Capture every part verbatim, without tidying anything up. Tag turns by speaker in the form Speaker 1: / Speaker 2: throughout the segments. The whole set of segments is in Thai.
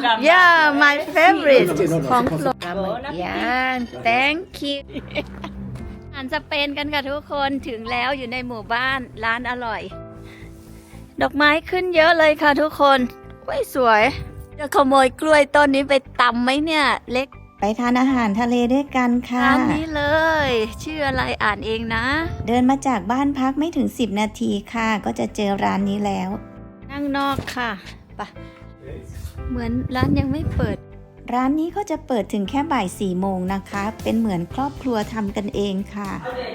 Speaker 1: yeah my favorite ของโปรดปลาหมึกย่าง thank you อาหารสเปนกันค่ะทุกคนถึงแล้วอยู่ในหมู่บ้านร้านอร่อย ดอกไม้ขึ้นเยอะเลยค่ะทุกคนว้ยสวยจะขโมยกล้วยต้นนี้ไปตำไหมเนี่ยเล็กไปทานอาหารทะเลด้วยกันค่ะร้านนี้เลยชื่ออะไรอ่านเองนะเดินมาจากบ้านพักไม่ถึงสิบนาทีค่ะก็จะเจอร้านนี้แล้วนั่งนอกค่ะปะเหมือนร้านยังไม่เปิดร้านนี้ก็จะเปิดถึงแค่บ่ายสี่โมงนะคะเป็นเหมือนครอบครัวทำกันเองค่ะ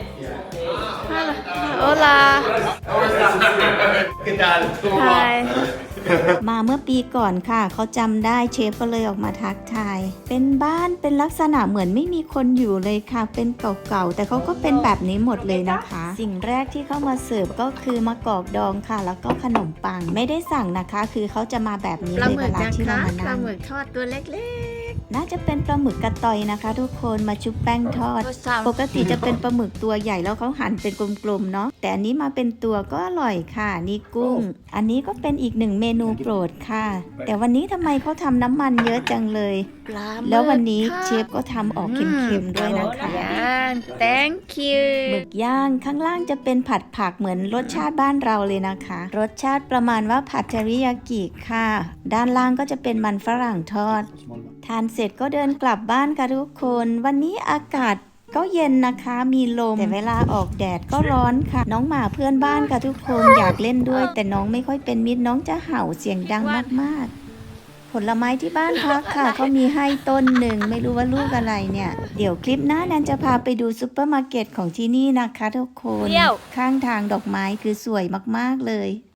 Speaker 1: โอลามาเมื่อปีก่อนค่ะเขาจำได้เชฟก็เลยออกมาทักทายเป็นบ้านเป็นลักษณะเหมือนไม่มีคนอยู่เลยค่ะเป็นเก่าๆแต่เขาก็เป็นแบบนี้หมดเลยนะคะสิ่งแรกที่เข้ามาเสิร์ฟก็คือมะกอกดองค่ะแล้วก็ขนมปังไม่ได้สั่งนะคะคือเขาจะมาแบบนี้เลยเวลาที่เรามานั่งปลาหมึกทอดตัวเล็กๆน่าจะเป็นปลาหมึกกระตอยนะคะทุกคนมาชุบแป้งทอดปกติจะเป็นปลาหมึกตัวใหญ่แล้วเขาหั่นเป็นกลมๆเนาะแต่อันนี้มาเป็นตัวก็อร่อยค่ะนี่กุ้งอันนี้ก็เป็นอีกหนึ่งเมนูโปรดค่ะแต่วันนี้ทำไมเขาทำน้ำมันเยอะจังเลยแล้ววันนี้เชฟก็ทำออกเค็มๆด้วยนะคะ thank you หมึกย่างข้างล่างจะเป็นผัดผักเหมือนรสชาติบ้านเราเลยนะคะรสชาติประมาณว่าผัดเทริยากิค่ะด้านล่างก็จะเป็นมันฝรั่งทอดทานเสร็จก็เดินกลับบ้านค่ะทุกคนวันนี้อากาศก็เย็นนะคะมีลมแต่เวลาออกแดดก็ร้อนค่ะน้องหมาเพื่อนบ้านค่ะทุกคนอยากเล่นด้วยแต่น้องไม่ค่อยเป็นมิตรน้องจะเห่าเสียงดังมากๆผลไม้ที่บ้านพักค่ะเขามีให้ต้นหนึ่งไม่รู้ว่าลูกอะไรเนี่ยเดี๋ยวคลิปหน้าแนนจะพาไปดูซุปเปอร์มาร์เก็ตของที่นี่นะคะทุกคนข้างทางดอกไม้คือสวยมากๆเลย